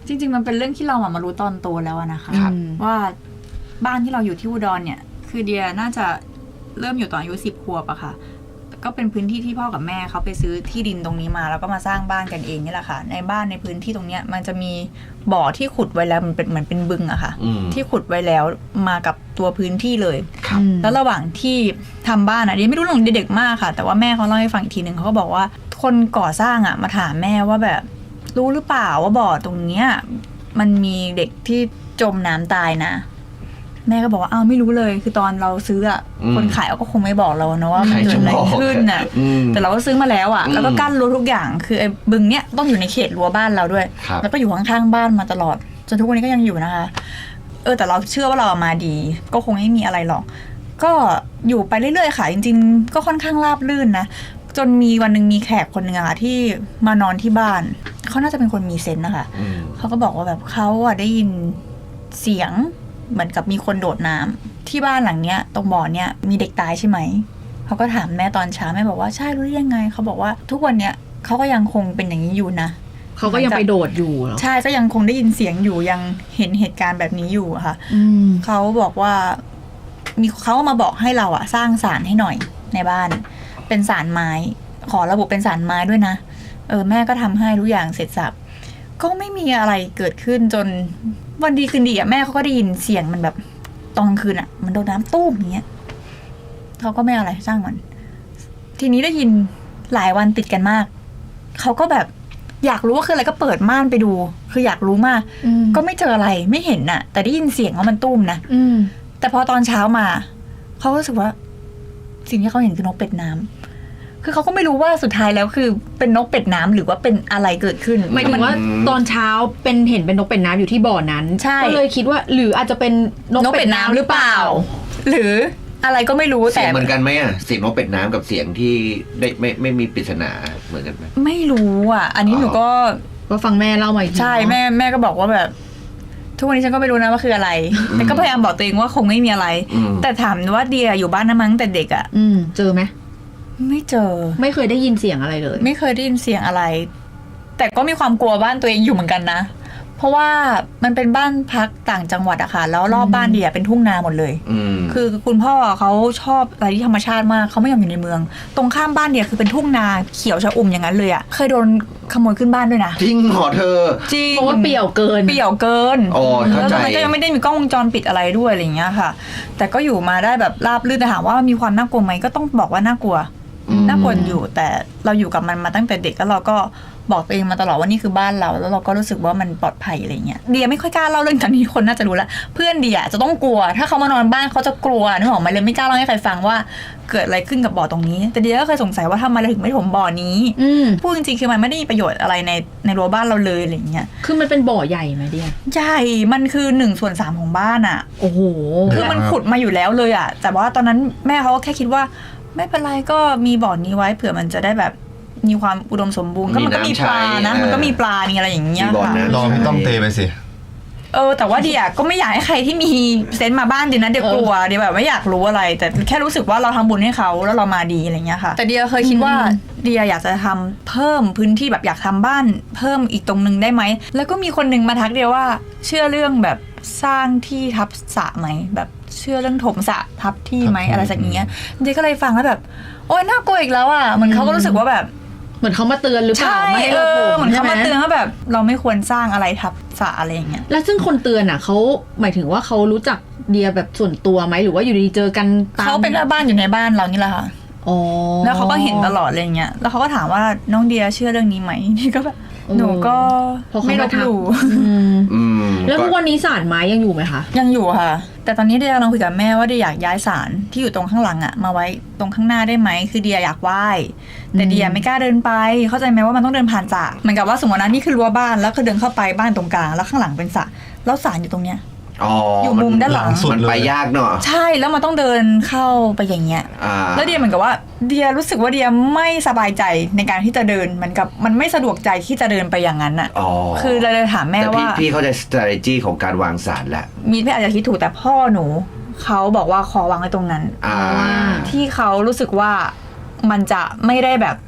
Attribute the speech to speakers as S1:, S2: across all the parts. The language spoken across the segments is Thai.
S1: จริงๆมันเป็นเรื่องที่เรามารู้ตอนโตแล้วนะคะว่าบ้านที่เราอยู่ที่อุดรเนี่ยคือเดียน่าจะเริ่มอยู่ตอนอายุ10 ขวบอะค่ะก็เป็นพื้นที่ที่พ่อกับแม่เขาไปซื้อที่ดินตรงนี้มาแล้วก็มาสร้างบ้านกันเองนี่แหละค่ะในบ้านในพื้นที่ตรงเนี้ยมันจะมีบ่อที่ขุดไว้แล้วมันเป็นเหมือนเป็นบึงอะค่ะที่ขุดไว้แล้วมากับตัวพื้นที่เลยแล้วระหว่างที่ทำบ้านอะเดียไม่รู้เรื่องเด็กมากค่ะแต่ว่าแม่เขาเล่าให้ฟังอีกทีนึงเขาก็บอกว่าคนก่อสร้างอะมาถามแม่ว่าแบบรู้หรือเปล่าว่าบ่อตรงเนี้ยมันมีเด็กที่จมน้ำตายนะแม่ก็บอกว่าอ้าวไม่รู้เลยคือตอนเราซื้ออ่ะคนขายก็คงไม่บอกเราเนาะว่ามันเกิดอะไรขึ้นน่ะแต่เราก็ซื้อมาแล้วอ่ะแล้วก็กั้นรั้วทุกอย่างคือไอ้บึงเนี้ยต้องอยู่ในเขตรั้วบ้านเราด้วยแล้วก็อยู่ข้างๆบ้านมาตลอดจนทุกวันนี้ก็ยังอยู่นะคะแต่เราเชื่อว่าเรามาดีก็คงไม่มีอะไรหรอกก็อยู่ไปเรื่อยๆค่ะจริงๆก็ค่อนข้างราบรื่นนะจนมีวันนึงมีแขกคนนึงอะที่มานอนที่บ้านเขาน่าจะเป็นคนมีเซนส์นะคะเขาก็บอกว่าแบบเขาอะได้ยินเสียงเหมือนกับมีคนโดดน้ำที่บ้านหลังเนี้ยตรงบ่อเนี้ยมีเด็กตายใช่ไหมเขาก็ถามแม่ตอนเช้าแม่บอกว่าใช่รู้ได้ยังไงเขาบอกว่าทุกวันเนี้ยเขาก็ยังคงเป็นอย่างนี้อยู่นะ
S2: เขาก็ยังไปโดดอยู่เหรอ
S1: ใช่ก็ยังคงได้ยินเสียงอยู่ยังเห็นเหตุการณ์แบบนี้อยู่ค่ะเขาบอกว่ามีเขามาบอกให้เราอะสร้างศาลให้หน่อยในบ้านเป็นศาลไม้ขอระบุเป็นศาลไม้ด้วยนะแม่ก็ทำให้ทุกอย่างเสร็จสับก็ไม่มีอะไรเกิดขึ้นจนวันดีคืนดีอะแม่เขาก็ได้ยินเสียงมันแบบตอนกลางคืนอะมันโดนน้ำตู้มอย่างเงี้ยเขาก็ไม่อะไรสร้างมันทีนี้ได้ยินหลายวันติดกันมากเขาก็แบบอยากรู้ว่าคืออะไรก็เปิดม่านไปดูคืออยากรู้มากก็ไม่เจออะไรไม่เห็นน่ะแต่ได้ยินเสียงว่ามันตุ้มนะแต่พอตอนเช้ามาเขาก็รู้สึกว่าสิ่งที่เขาเห็นคือนกเป็ดน้ำคือเขาก็ไม่รู้ว่าสุดท้ายแล้วคือเป็นนกเป็ดน้ำหรือว่าเป็นอะไรเกิดขึ้น
S2: หมายถึงว่าตอนเช้าเห็นเป็นนกเป็ดน้ำอยู่ที่บ่อนั้นก็เลยคิดว่าหรืออาจจะเป็นนกเป็ดน้ำหรือเปล่า
S1: หรืออะไรก็ไม่รู้
S3: แต่เหมือนกันไหมอ่ะเสียงนกเป็ดน้ำกับเสียงที่ได้ไม่มีปริศนาเหมือนกันไหม
S1: ไม่รู้อ่ะอันนี้หนูก็
S2: ฟังแม่เล่ามาอีก
S1: ใช่แม่ก็บอกว่าแบบทุกวันนี้ฉันก็ไม่รู้นะว่าคืออะไรแต่ก็พยายามบอกตัวเองว่าคงไม่มีอะไรแต่ถามว่าเดียอยู่บ้านนั้นมั้งแต่เด็กอ่ะ
S2: เจอไหม
S1: ไม่เจอ
S2: ไม่เคยได้ยินเสียงอะไรเลย
S1: ไม่เคยได้ยินเสียงอะไรแต่ก็มีความกลัวบ้านตัวเองอยู่เหมือนกันนะเพราะว่ามันเป็นบ้านพักต่างจังหวัดอะค่ะแล้วรอบบ้านเดียเป็นทุ่งนาหมดเลยคือคุณพ่อเขาชอบอะไรที่ธรรมชาติมากเขาไม่ยอมอยู่ในเมืองตรงข้ามบ้านเดียคือเป็นทุ่งนาเขียวชอุ่มอย่างนั้นเลยอะเคยโดนขโมยขึ้นบ้านด้วยนะ
S3: จริงเหรอเธอ
S1: จริง
S2: เพราะว่าเปี่ยวเกิน
S3: อ๋อเข้าใจ
S1: แล้วมันก็ยังไม่ได้มีกล้องวงจรปิดอะไรด้วยอะไรอย่างเงี้ยค่ะแต่ก็อยู่มาได้แบบราบรื่นแต่ถามว่ามีความน่ากลัวไหมก็ต้องบอกว่าน่ากลัวอยู่แต่เราอยู่กับมันมาตั้งแต่เด็กแล้วเราก็บอกตัวเองมาตลอดว่านี่คือบ้านเราแล้วเราก็รู้สึกว่ามันปลอดภัยอะไรเงี้ยเดียไม่ค่อยกล้าเล่าเรื่องตอนนี้คนน่าจะรู้แล้วเพื่อนเดียจะต้องกลัวถ้าเขามานอนบ้านเขาจะกลัวนึกออกไหมเลยไม่กล้าเล่าให้ใครฟังว่าเกิดอะไรขึ้นกับบ่อตรงนี้แต่เดียก็เคยสงสัยว่าทำไมเราถึงไม่ถมบ่อนี้พูดจริงๆคือมันไม่ได้มีประโยชน์อะไรในรั้วบ้านเราเลยอะไรเงี้ย
S2: คือมันเป็นบ่อใหญ่ไหมเดีย
S1: ใหญ่มันคือ1/3ของบ้านอ่ะ
S2: โอ้โห
S1: คือมันขุดมาอยู่แล้วเลยอ่ะแต่ว่าตอนนั้นแม่เขาก็แค่คิดว่าไม่เป็นไรก็มีบ่อนี้ไว้เผื่อมันจะได้แบบมีความอุดมสมบูรณ์ก็มันก็มีปลานะมันก็มีปลามีอะไรอย่างเงี้ยค่ะ
S4: ลองต้องเตไปสิ
S1: แต่ว่าเดียก็ไม่อยากให้ใครที่มีเซนต์มาบ้านเดียนะเดียกลัวเดียแบบไม่อยากรู้อะไรแต่แค่รู้สึกว่าเราทำบุญให้เขาแล้วเรามาดีอะไรเงี้ยค่ะแต่เดียเคยคิดว่าเดียอยากจะทำเพิ่มพื้นที่แบบอยากทำบ้านเพิ่มอีกตรงนึงได้ไหมแล้วก็มีคนนึงมาทักเดียว่าเชื่อเรื่องแบบสร้างที่ทับสระไหมแบบเชื่อเรื่องถมสระทับที่ไหมอะไรสักอย่างเงี้ยเดียก็เลยฟังแล้วแบบโอ๊ยน่ากลัวอีกแล้วอ่ะเหมือนเขาก็รู้สึกว่าแบบ
S2: เหมือนเขามาเตือนหรือเปล่าไม่ให้เรา
S1: เหมือนเขามาเตือนว่าแบบเราไม่ควรสร้างอะไรทับสระอะไรอย่างเงี้ย
S2: แล้วซึ่งคนเตือนอ่ะเขาหมายถึงว่าเขารู้จักเดียแบบส่วนตัวไหมหรือว่าอยู่ดีๆเจอกัน
S1: เขาเป็นแม่บ้านอยู่ในบ้านเรานี่แหละค่ะแล้วเขาก็เห็นตลอดอะไรเงี้ยแล้วเขาก็ถามว่าน้องเดียเชื่อเรื่องนี้ไหมนี่ก็แบบหนูก็ไม่ลบหลู่
S2: แล้วทุกวันนี้ศาลไม้ยังอยู่ไหมคะ
S1: ยังอยู่ค่ะแต่ตอนนี้เดียกำลังคุยกับแม่ว่าเดียอยากย้ายศาลที่อยู่ตรงข้างหลังอะมาไว้ตรงข้างหน้าได้ไหมคือเดียอยากไหว้แต่เดียไม่กล้าเดินไปเข้าใจไหมว่ามันต้องเดินผ่านสระเหมือนกับว่าสมมติว่านี่คือรั้วบ้านแล้วคือเดินเข้าไปบ้านตรงกลางแล้วข้างหลังเป็นสระแล้วศาลอยู่ตรงเนี้ยอยู่มุมด้านหลัง
S3: มันไปยากเนาะ
S1: ใช่แล้วมันต้องเดินเข้าไปอย่างเงี้ยแล้วเดียเหมือนกับว่าเดียรู้สึกว่าเดียไม่สบายใจในการที่จะเดินเหมือนกับมันไม่สะดวกใจที่จะเดินไปอย่างนั้นอ่ะคือเราเลยถามแม่ว่า
S3: พี่เข้าใจ strategy ของการวางศาลแหละ
S1: มีพี่อาจจะคิดถูกแต่พ่อหนูเขาบอกว่าขอวางไว้ตรงนั้นที่เขารู้สึกว่ามันจะไม่ได้แบบ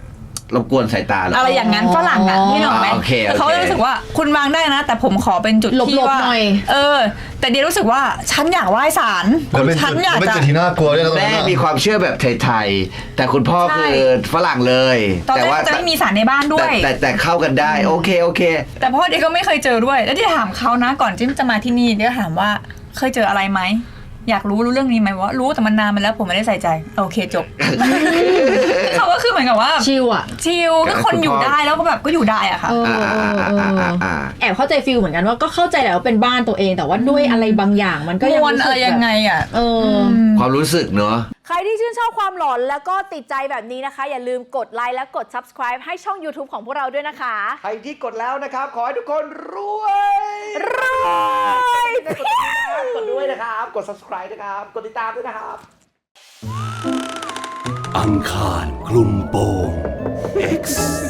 S3: รบกวนสายตาเหรอ
S1: อะไรอย่างนั้นฝรั่งอ่ะนี่หรอกไหม
S3: โอเค
S1: แต่เขาจะรู้สึกว่าคุณวางได้นะ แต่ผมขอเป็นจุดที่ว่า
S2: หลบๆหน่อย
S1: แต่เดียรู้สึกว่าฉันอยากไหว้ศาล
S4: แล้วเป็น
S1: ฉันอยาก
S4: เป็น
S1: จะ
S4: จุดที่น่ากลัวด้วยนะตรง
S3: แม่
S4: นั้น
S3: มี
S4: อะ
S3: ความเชื่อแบบไทยๆแต่คุณพ่อ
S1: ใช่
S3: คือฝรั่งเลย
S1: ตอน
S3: แต่
S1: แร
S3: ว่าก
S1: จะไม่มีศาลในบ้านด้วย
S3: แต่เข้ากันได้โอเค
S1: แต่พ่อเดียก็ไม่เคยเจอด้วย แล้วเดียถามเขานะก่อนที่จะมาที่นี่เดียถามว่าเคยเจออะไรไหมอยากรู้เรื่องนี้ไหมว่ารู้แต่มันนานมาแล้วผมไม่ได้ใส่ใจโอเคจบ เขาก็คือเหมือนกับว่า
S2: ชิลอ่ะ
S1: ชิลก็คนอยู่ได้แล้วก็แบบก็อยู่ได้อะค่ะ
S2: แอบเข้าใจฟิลเหมือนกันว่าก็เข้าใจแหละว่าเป็นบ้านตัวเองแต่ว่าด้วยอะไรบางอย่างมันก็ยัง
S1: มวล
S2: รู้สึ
S1: อะไร
S2: ก
S1: ยังไงอ่ะ
S3: ความรู้สึกเนอะ
S5: ใครที่ชื่นชอบความหลอนแล้วก็ติดใจแบบนี้นะคะ อย่าลืมกดไลค์และกด subscribe ให้ช่อง YouTube ของพวกเราด้วยนะคะ
S3: ใครที่กดแล้วนะครับ ขอให้ทุกคนรวย
S5: รวย
S3: กดด้วยนะครับ กด subscribe นะครับ กดติดตามด้วยนะครับ
S6: อังคารคลุมโปง X